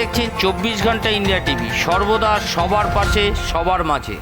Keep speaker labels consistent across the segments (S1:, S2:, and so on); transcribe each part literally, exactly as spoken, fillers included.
S1: দেখছেন চব্বিশ ঘন্টা ইন্ডিয়া টিভি, সর্বদা সবার পাশে সবার মাঝে।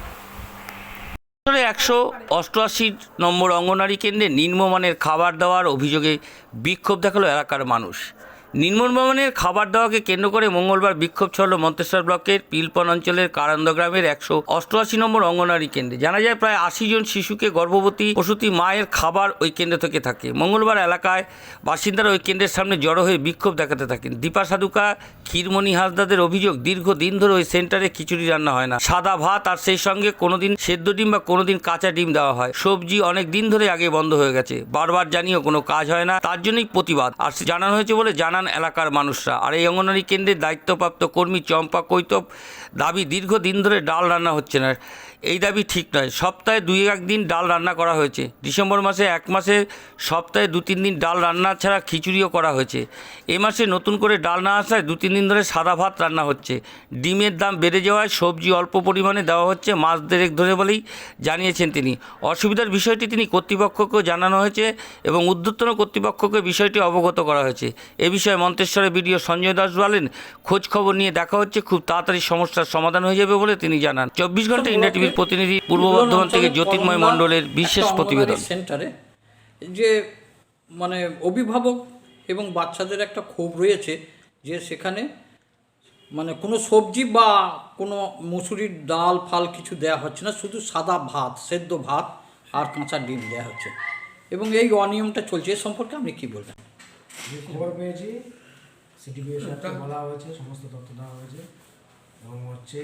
S1: একশো অষ্টআশি নম্বর অঙ্গনওয়াড়ি কেন্দ্রে নিম্নমানের খাবার দেওয়ার অভিযোগে বিক্ষোভ দেখালো এলাকার মানুষ। নিম্নমানের খাবার দেওয়াকে কেন্দ্র করে মঙ্গলবার বিক্ষোভ ছড়ল মন্তেশ্বর ব্লকের পিলপন অঞ্চলের কারান্দ গ্রামের একশো অষ্টআশি নম্বর অঙ্গনওয়াড়ি কেন্দ্রে। জানা যায় প্রায় আশি জন শিশুকে গর্ভবতী প্রসূতি মায়ের খাবার ওই কেন্দ্র থেকে থাকে। মঙ্গলবার এলাকায় বাসিন্দারা ওই কেন্দ্রের সামনে জড়ো হয়ে বিক্ষোভ দেখাতে থাকেন। দীপা সাধুকা, ক্ষীরমণি হাসদাদের অভিযোগ, দীর্ঘদিন ধরে ওই সেন্টারে খিচুড়ি রান্না হয় না, সাদা ভাত আর সেই সঙ্গে কোনোদিন সেদ্ধ ডিম বা কোনোদিন কাঁচা ডিম দেওয়া হয়। সবজি অনেক দিন ধরে আগে বন্ধ হয়ে গেছে, বারবার জানিয়েও কোনো কাজ হয় না, তার জন্যই প্রতিবাদ আর জানানো হয়েছে বলে জানান এলাকার মানুষরা। আর এই অঙ্গনওয়াড়ি কেন্দ্রের দায়িত্বপ্রাপ্ত কর্মী চম্পা কৈতব দাবি, দীর্ঘদিন ধরে ডাল রান্না হচ্ছে না। এই দাবি ঠিক নয়। সপ্তাহে দুই একদিন ডাল রান্না করা হয়েছে। ডিসেম্বর মাসে এক মাসে সপ্তাহে দু তিন দিন ডাল রান্না ছাড়া খিচুড়িও করা হয়েছে। এ মাসে নতুন করে ডাল না আসায় দু তিন দিন ধরে সাদা ভাত রান্না হচ্ছে। ডিমের দাম বেড়ে যাওয়ায় সবজি অল্প পরিমাণে দেওয়া হচ্ছে মাস দেড়েক ধরে বলেই জানিয়েছেন তিনি। অসুবিধার বিষয়টি তিনি কর্তৃপক্ষকেও জানানো হয়েছে এবং ঊর্ধ্বতন কর্তৃপক্ষকে বিষয়টি অবগত করা হয়েছে। এ বিষয়ে মন্তেশ্বরের বিডিও সঞ্জয় দাস বলেন, খোঁজ খবর নিয়ে দেখা হচ্ছে, খুব তাড়াতাড়ি সমস্যার সমাধান হয়ে যাবে বলে তিনি জানান। চব্বিশ ঘন্টা ইন্ডিয়া টিভির প্রতিনিধি পূর্ব বর্ধমান থেকে জ্যোতির্ময় মণ্ডলের বিশেষ প্রতিবেদন।
S2: সেন্টারে যে মানে অভিভাবক এবং বাচ্চাদের একটা ক্ষোভ রয়েছে যে সেখানে মানে কোনো সবজি বা কোনো মুসুরির ডাল ফাল কিছু দেওয়া হচ্ছে না, শুধু সাদা ভাত, সেদ্ধ ভাত আর কাঁচা ডিম দেওয়া হচ্ছে এবং এই অনিয়মটা চলছে। এ সম্পর্কে আপনি কী বলবেন?
S3: যে খবর পেয়েছি সিটিপিও সাথে বলা হয়েছে, সমস্ত তথ্য দেওয়া হয়েছে এবং হচ্ছে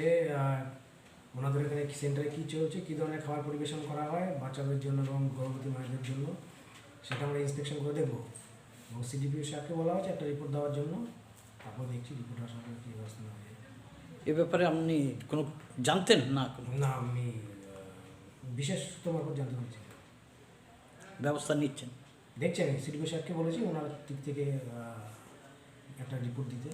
S3: ওনাদের এখানে সেন্টারে কী চলছে, কী ধরনের খাবার পরিবেশন করা হয় বাচ্চাদের জন্য এবং গর্ভবতী মায়েদের জন্য, সেটা আমরা ইন্সপেকশন করে দেখব এবং সিটিপিও সাথে বলা হয়েছে একটা রিপোর্ট দেওয়ার জন্য। তারপর দেখছি রিপোর্ট আসার পর কী ব্যবস্থা নেওয়া যায়।
S2: এ ব্যাপারে আপনি কোনো জানতেন না?
S3: না, আমি বিশেষ তোমার উপর জানতে পারছি।
S2: ব্যবস্থা নিচ্ছেন?
S3: দেখছি, আমি সিটিপিও সাথে বলেছি ওনার দিক থেকে একটা রিপোর্ট দিতে।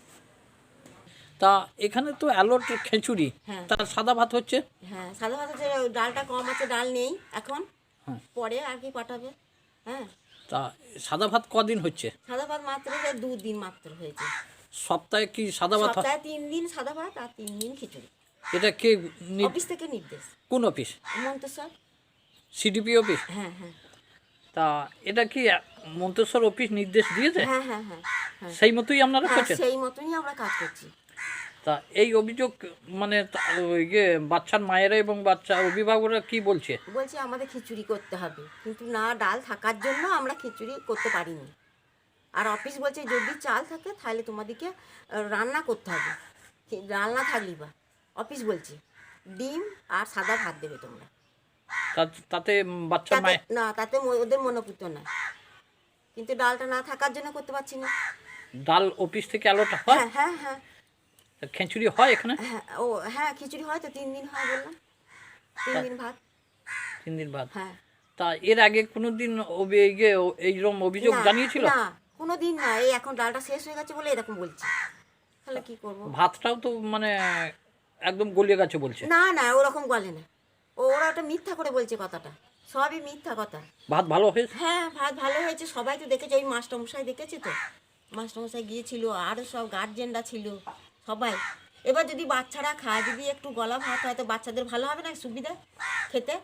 S2: তা এখানে তো অ্যালট খিচুড়ি,
S4: হ্যাঁ,
S2: তার সাদা ভাত হচ্ছে।
S4: হ্যাঁ সাদা ভাত হচ্ছে, ডালটা কম আছে, ডাল নেই এখন,
S2: হ্যাঁ
S4: পরে আর কি পাঠাবে। হ্যাঁ,
S2: তা সাদা ভাত কদিন হচ্ছে?
S4: সাদা ভাত মাত্র দু দিন মাত্র হয়েছে।
S2: সপ্তাহে কি সাদা ভাত হয়?
S4: সপ্তাহে তিন দিন সাদা ভাত আর তিন দিন খিচুড়ি।
S2: এটা কে নি-
S4: অফিস থেকে নির্দেশ।
S2: কোন অফিস?
S4: মন্তেশ্বর।
S2: CDP office?
S4: হ্যাঁ হ্যাঁ
S2: তা এটা কি মন্তেশ্বর অফিস নির্দেশ দিয়েছে?
S4: হ্যাঁ হ্যাঁ হ্যাঁ হ্যাঁ
S2: সেই মতোই আপনারা
S4: হ্যাঁ,
S2: করছেন?
S4: সেই মতনই আমরা কাজ করছি।
S2: তা এই অভিযোগ মানে তা- ওই যে বাচ্চার মায়েরা এবং বাচ্চা অভিভাবকরা কি বলছে?
S4: বলছি আমাদের খিচুড়ি করতে হবে, কিন্তু না ডাল থাকার জন্য আমরা খিচুড়ি করতে পারিনি। আর অফিস বলছে যদি চাল থাকে তাহলে তোমাদেরকে আহ, রান্না করতে হবে, কি- ডাল না থাকলি বা। অফিস বলছে ডিম আর সাদা ভাত দেবে তোমরা।
S2: তা- তাতে বাচ্চার
S4: তাতে
S2: মায়
S4: না, তাতে ম- ওদের মনোপুত না, কিন্তু ডালটা না থাকার জন্য করতে পারছি না।
S2: ডাল অফিস থেকে আলোটা হয়?
S4: হ্যাঁ হ্যাঁ হ্যাঁ
S2: তা খিচুড়ি হয় এখানে?
S4: হ্যাঁ ও হ্যাঁ খিচুড়ি হয় তো, তিন দিন হয় বললাম, তিন দিন ভাত।
S2: তিন দিন বাদ?
S4: হ্যাঁ,
S2: তা এর আগে কোনো দিন এইরকম অভিযোগ
S4: না
S2: জানিয়েছিল?
S4: না কোনো দিন না, এই এখন ডালটা শেষ হয়ে গেছে বলে এরকম বলছে, তাহলে কি করব।
S2: ভাতটাও তো মানে একদম গলিয়ে গেছে বলছে।
S4: না না ওরকম বলে না, ও ওরা ওটা মিথ্যা করে বলছে, কথাটা সবই মিথ্যা কথা।
S2: ভাত ভালো হয়েছে?
S4: হ্যাঁ ভাত ভালো হয়েছে, সবাই তো দেখেছে, ওই মাস্টারমশাই দেখেছে তো, মাস্টারমশাই গিয়েছিল, আরও সব গার্জেনরা ছিল সবাই। এবার যদি বাচ্চারা খায়, যদি একটু গলা ভাত হয় তো বাচ্চাদের ভালো হবে না, সুবিধা খেতে।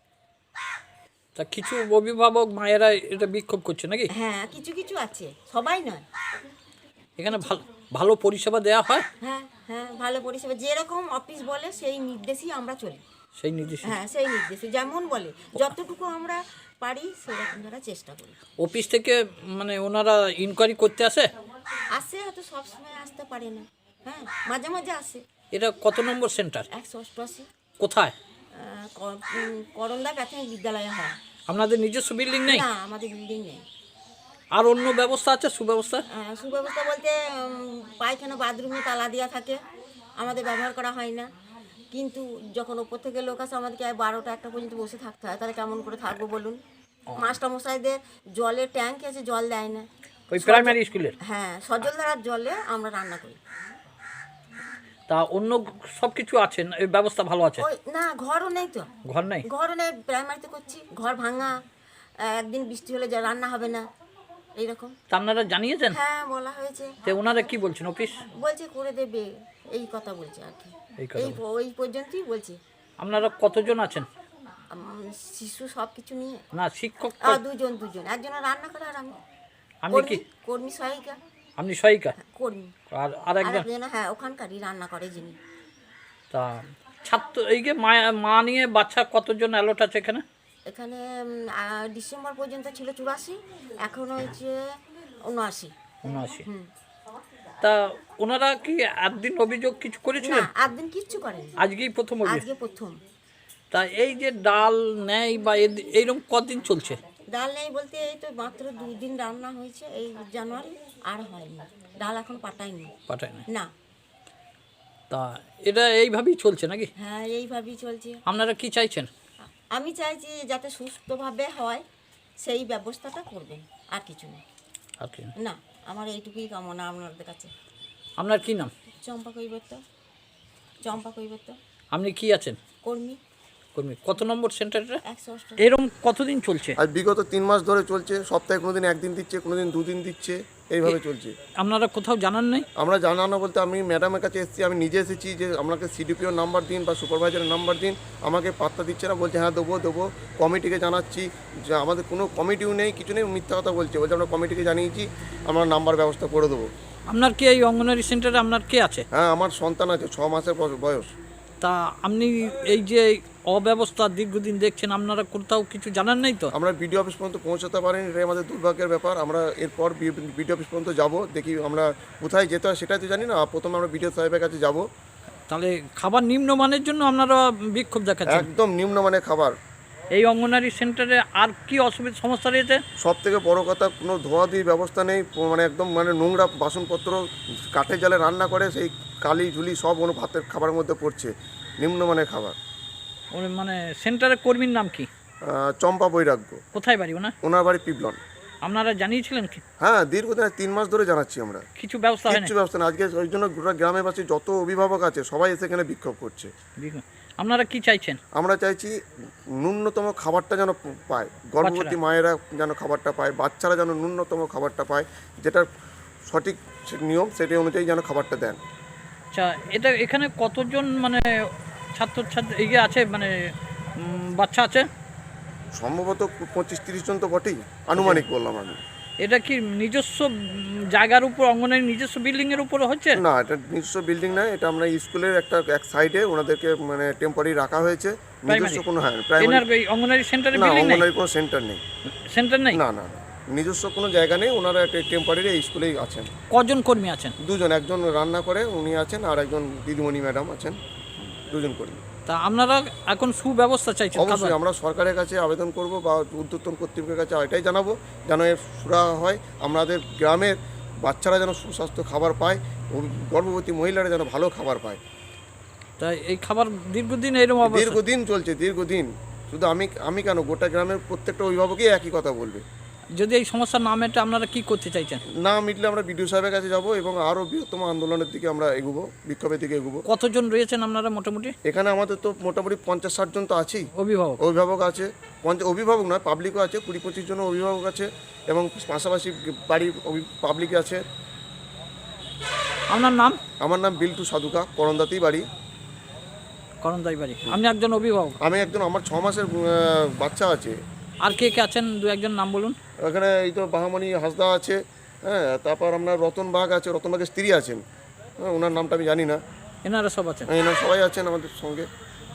S2: তা কিছু অভিভাবক মায়েরা এটা বিক্ষোভ করছে নাকি?
S4: হ্যাঁ কিছু কিছু আছে, সবাই নয়।
S2: এখানে ভালো ভালো পরিষেবা দেওয়া হয়?
S4: হ্যাঁ হ্যাঁ ভালো পরিষেবা, যেরকম অফিস বলে সেই নির্দেশেই আমরা চলি।
S2: সেই নির্দেশ?
S4: হ্যাঁ সেই নির্দেশে যেমন বলে, যতটুকু আমরা পারি সেরকম আমরা চেষ্টা করি।
S2: অফিস থেকে মানে ওনারা ইনকোয়ারি করতে আসে?
S4: আসে, হয়তো সবসময় আসতে পারে না, হ্যাঁ মাঝে মাঝে আসে।
S2: এটা কত নম্বর সেন্টার?
S4: একশো অষ্টআশি।
S2: কোথায়?
S4: করন্দা প্রাথমিক বিদ্যালয়ে হয়।
S2: আপনাদের নিজস্ব বিল্ডিং নেই?
S4: না আমাদের বিল্ডিং নেই।
S2: আর অন্য ব্যবস্থা আছে, সুব্যবস্থা?
S4: আহ, সুব্যবস্থা বলতে উম, পায়খানা বাথরুমে তালা দেওয়া থাকে, আমাদের ব্যবহার করা হয় না। কিন্তু যখন ওপর থেকে লোক আসে আমাদেরকে বারোটা একটা পর্যন্ত বসে থাকতে হয়, তাহলে কেমন করে থাকবো বলুন। মাস্টারমশাইদের জলের ট্যাঙ্ক আছে, জল দেয় না।
S2: ওই প্রাইমারি স্কুলের?
S4: হ্যাঁ সজলধারার জলে আমরা রান্না করি।
S2: তা অন্য সব কিছু আছে, এই ব্যবস্থা ভালো আছে?
S4: ওই না ঘরও নেই তো।
S2: ঘর নেই?
S4: ঘরও নেই, প্রাইমারিতে করছি, ঘর ভাঙা, একদিন বৃষ্টি হলে যা রান্না হবে না। এইরকম।
S2: তা আপনারা জানিয়েছেন?
S4: হ্যাঁ বলা হয়েছে,
S2: তো ওনারা কি বলছেন অফিস?
S4: বলছে করে দেবে, এই কথা বলছে আর কি।
S2: এই কথা
S4: এই ওই পর্যন্তই বলছে।
S2: আপনারা কতজন আছেন?
S4: আম, শিশু সব কিছু নিয়ে
S2: না শিক্ষক
S4: আ, দুজন দুজন, একজনের রান্না করে আর আমি
S2: আপনি কি?
S4: কর্মী- কর্মী সহায়িকা
S2: আপনি সহায়িকা
S4: কর্মী।
S2: আর আর
S4: আর
S2: একজন?
S4: একজন হ্যাঁ ওখানকারই রান্না করে যিনি।
S2: তা ছাত্র এই যে মা মা নিয়ে বাচ্চা কতজন অ্যালোট আছে এখানে?
S4: এখানে উম, আ, ডিসেম্বর পর্যন্ত ছিল চুরাশি, এখন হচ্ছে উনআশি।
S2: উনআশি।
S4: হুম।
S2: তা ওনারা কি একদিন অভিযোগ কিছু
S4: না
S2: করেছিলেন?
S4: একদিন কিচ্ছু করেনি,
S2: আজকেই প্রথম অভিযোগ?
S4: আজকে প্রথম।
S2: তা এই যে ডাল নেই বা এদ- এইরকম কদিন চলছে?
S4: ডাল নেই বলতে এই তো মাত্র দুই দিন রান্না হয়েছে এই জানুয়ারি, আর হয়নি ডাল, এখন পাঠায়নি
S2: পাঠায় না।
S4: না।
S2: তা এটা এইভাবেই চলছে নাকি?
S4: হ্যাঁ এইভাবেই চলছে।
S2: আপনারা কি চাইছেন?
S4: আমি চাইছি যাতে সুস্থভাবে হয় সেই ব্যবস্থাটা করবেন, আর কিছু না।
S2: আর কি?
S4: না আমার এইটুকুই কামনা আপনাদের কাছে।
S2: আপনার কি নাম?
S4: চম্পা কৈবর্ত, চম্পা কৈবর্ত,
S2: আপনি কি আছেন?
S4: কর্মী,
S2: কর্মী। কত নম্বর সেন্টারটা?
S4: একশো অষ্ট।
S2: এরকম কতদিন চলছে?
S5: আজ বিগত তিন মাস ধরে চলছে, সপ্তাহে কোনোদিন একদিন দিচ্ছে, কোনোদিন দুদিন দিচ্ছে, এইভাবে চলছে।
S2: আপনারা কোথাও জানান নাই?
S5: আমরা জানানো বলতে আমি ম্যাডামের কাছে এসেছি, আমি নিজে এসেছি যে আপনাকে সিডিপিওর নাম্বার দিন বা সুপারভাইজারের নাম্বার দিন, আমাকে পাত্তা দিচ্ছে না, বলছে হ্যাঁ দেবো দেবো। কমিটিকে জানাচ্ছি যে আমাদের কোনো কমিটিও নেই, কিছু নেই, মিথ্যা কথা বলছে, বলছে আমরা কমিটিকে জানিয়েছি, আমরা নাম্বার ব্যবস্থা করে দেবো।
S2: আপনার কি এই অঙ্গনওয়াড়ি সেন্টারে আপনার কে আছে?
S5: হ্যাঁ আমার সন্তান আছে, ছ মাসের বয়স- বয়স।
S2: তা আপনি এই যে অব্যবস্থা দীর্ঘদিন দেখছেন, আপনারা কোথাও কিছু জানান নাই তো?
S5: আমরা বিডিও অফিস পর্যন্ত পৌঁছাতে পারিনি, এটাই আমাদের দুর্ভাগ্যের ব্যাপার। আমরা এরপর বিডিও অফিস পর্যন্ত যাব, দেখি আমরা কোথায় যেতে হয় সেটাই তো জানি না। প্রথমে আমরা বিডিও সাহেবের কাছে যাব।
S2: তাহলে খাবার নিম্নমানের জন্য আপনারা বিক্ষোভ দেখাচ্ছেন?
S5: একদম নিম্নমানের খাবার।
S2: এই অঙ্গনওয়াড়ি সেন্টারে আর কি অসুবিধা সমস্যা রয়েছে?
S5: সব থেকে বড় কথা, কোনো ধোয়াধুয়ি ব্যবস্থা নেই, মানে একদম মানে নোংরা বাসনপত্র, কাঠের জালে রান্না করে সেই কালি ঝুলি সব ওর ভাতের খাবারের মধ্যে পড়ছে। নিম্নমানের খাবার।
S2: ওর মানে সেন্টারের কর্মীর নাম কি?
S5: আহ, চম্পা বৈরাগ্য,
S2: কোথায় বাড়ি ওনার?
S5: ওনার বাড়ি পিবলন।
S2: আপনারা জানিয়েছিলেন কি?
S5: হ্যাঁ দীর্ঘদিন তিন মাস ধরে জানাচ্ছি আমরা,
S2: কিছু ব্যবস্থা হয় না?
S5: কিচ্ছু ব্যবস্থা না। আজকে ওই জন্য গোটা গ্রামেবাসী যত অভিভাবক আছে সবাই এসে এখানে বিক্ষোভ করছে।
S2: আপনারা কি চাইছেন?
S5: আমরা চাইছি ন্যূনতম খাবারটা যেন পায়, গর্ভবতী মায়েরা যেন খাবারটা পায়, বাচ্চারা যেন ন্যূনতম খাবারটা পায়, যেটা সঠিক নিয়ম সেটা অনুযায়ী যেন খাবারটা দেন।
S2: আচ্ছা, এটা এখানে কতজন মানে ছাত্রছাত্রী ইয়ে আছে, মানে উম, বাচ্চা আছে?
S5: সম্ভবত পঁচিশ তিরিশ জন তো বটেই, আনুমানিক বললাম আমি।
S2: এটা কি নিজস্ব উম, জায়গার উপর, অঙ্গনের নিজস্ব বিল্ডিংয়ের উপরে হচ্ছে?
S5: না, এটা নিজস্ব বিল্ডিং না, এটা আমরা স্কুলের একটা এক সাইডে ওনাদেরকে মানে টেম্পোরারি রাখা হয়েছে। নিজস্ব কোনো, হ্যাঁ প্রাইমারি,
S2: এনার এই অঙ্গনারী সেন্টারে
S5: না
S2: বিল্ডিং নেই?
S5: অঙ্গনওয়াড়ি কোনো সেন্টার নেই।
S2: সেন্টার নেই?
S5: না না না, নিজস্ব কোনো জায়গা নেই, ওনারা একটা টেম্পোরারি স্কুলেই আছেন।
S2: কজন কর্মী আছেন?
S5: দুজন, একজন রান্না করে উনি আছেন, আর একজন দিদিমণি ম্যাডাম আছেন, দুজন কর্মী।
S2: তা আপনারা এখন সুব্যবস্থা চাইছেন?
S5: অবশ্যই আমরা সরকারের কাছে আবেদন করব বা ঊর্ধ্বতন কর্তৃপক্ষের কাছে এটাই জানাবো যেন এর সুরা হয়, আমাদের গ্রামের বাচ্চারা যেন সুস্বাস্থ্য খাবার পায়, ও গর্ভবতী মহিলারা যেন ভালো খাবার পায়।
S2: তাই এই খাবার দীর্ঘদিন এরকম অবস্থা?
S5: দীর্ঘদিন চলছে, দীর্ঘদিন। শুধু আমি আমি কেন, গোটা গ্রামের প্রত্যেকটা অভিভাবকই একই কথা বলবে।
S2: যদি এই সমস্যা না মেটে আপনারা কি করতে চাইছেন?
S5: না মিটলে আমরা বিডিও সাহেবের কাছে যাব এবং আরও বৃহত্তম আন্দোলনের দিকে আমরা এগোবো, বিক্ষোভের দিকে এগোবো।
S2: কতজন রয়েছেন আপনারা মোটামুটি?
S5: এখানে আমাদের তো মোটামুটি পঞ্চাশ ষাট জন তো আছেই।
S2: অভিভাবক?
S5: অভিভাবক আছে, পঞ্চাশ অভিভাবক নয় পাবলিকও আছে, কুড়ি পঁচিশ জন অভিভাবক আছে এবং পাশাপাশি বাড়ির পাবলিক আছে।
S2: আপনার নাম?
S5: আমার নাম বিল্টু সাধুকা, করন্দাতেই বাড়ি।
S2: করণদাই বাড়ি। আপনি একজন অভিভাবক?
S5: আমি একজন, আমার ছ মাসের আহ, বাচ্চা আছে।
S2: আর কে কে আছেন দু একজন নাম বলুন।
S5: এখানে এই তো বাহামণি হাসদা আছে, হ্যাঁ, তারপর আপনার রতন বাগ আছে, রতন বাগের স্ত্রী আছেন, হ্যাঁ ওনার নামটা আমি জানি না,
S2: এনারা সব আছেন?
S5: এনারা সবাই আছেন আমাদের সঙ্গে।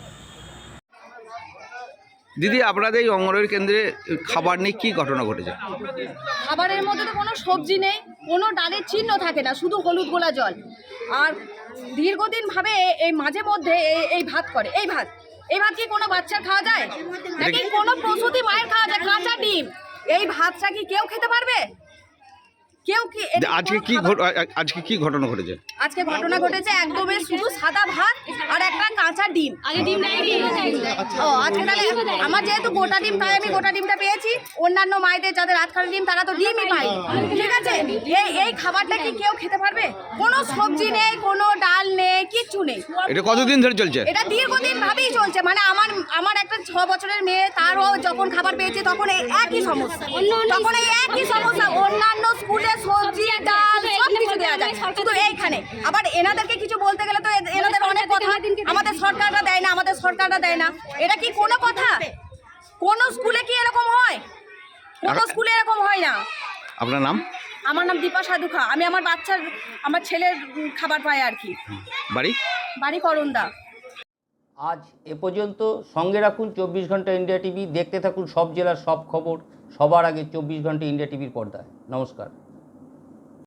S1: দিদি, আপনাদের এই অঙ্গনওয়াড়ি কেন্দ্রে খাবার নিয়ে কী ঘটনা ঘটেছে?
S6: খাবারের মধ্যে তো কোনো সবজি নেই, কোনো ডালের চিহ্ন থাকে না, শুধু হলুদ গোলা জল। আর দীর্ঘদিনভাবে এই মাঝে মধ্যে এই এই ভাত করে, এই ভাত এই ভাত কি কোনো বাচ্চার খাওয়া যায় নাকি কোনো প্রসূতি মায়ের খাওয়া যায়? কাঁচা ডিম, এই ভাতটা কি কেউ খেতে পারবে? কেউ কি এটা
S7: আজকে
S6: কোনো
S7: কি
S6: খাবার-
S7: ঘট- আ- আজকে কি ঘটনা ঘটেছে?
S6: আজকে ঘটনা ঘটেছে একদমই শুধু সাদা ভাত আর একটা কাঁচা ডিম। আগে ডিম ও আজকে তাহলে আমার যেহেতু গোটা ডিম তাই আমি গোটা ডিমটা পেয়েছি। অন্যান্য মায়েদের যাদের রাতখানা ডিম তারা তো ডিমই পায়। ঠিক আছে, এই এই খাবারটা কি কেউ খেতে পারবে? কোনো সবজি নেই, কোনো ডাল নেই, কিচ্ছু নেই।
S7: এটা কতদিন ধরে চলছে?
S6: এটা দীর্ঘদিন ভাবেই চলছে। মানে আমার আমার একটা ছ বছরের মেয়ে, তারও যখন খাবার পেয়েছে তখন এই একই সমস্যা, তখন এই একই সমস্যা। অন্যান্য স্কুলে সবজি ডাল সব কিছু দেওয়া যায়, শুধু এইখানে আবার এনাদেরকে কিছু বলতে গেলে তো এ- এনাদের অনেক কথা, আমাদের সরকাররা দেয় না, আমাদের সরকাররা দেয় না। এটা কি কোনো কথা? কোনো স্কুলে কি এরকম হয়? কোনো স্কুলে এরকম হয় না।
S7: আপনার নাম?
S6: আমার নাম দীপা সাধুখা। আমি আমার বাচ্চার, আমার ছেলের উম, খাবার পাই আর কি।
S7: বাড়ি?
S6: বাড়ি করন্দা।
S1: আজ এ পর্যন্ত। সঙ্গে রাখুন চব্বিশ ঘন্টা ইন্ডিয়া টিভি। দেখতে থাকুন সব জেলার সব খবর সবার আগে চব্বিশ ঘন্টা ইন্ডিয়া টিভির পর্দায়। নমস্কার।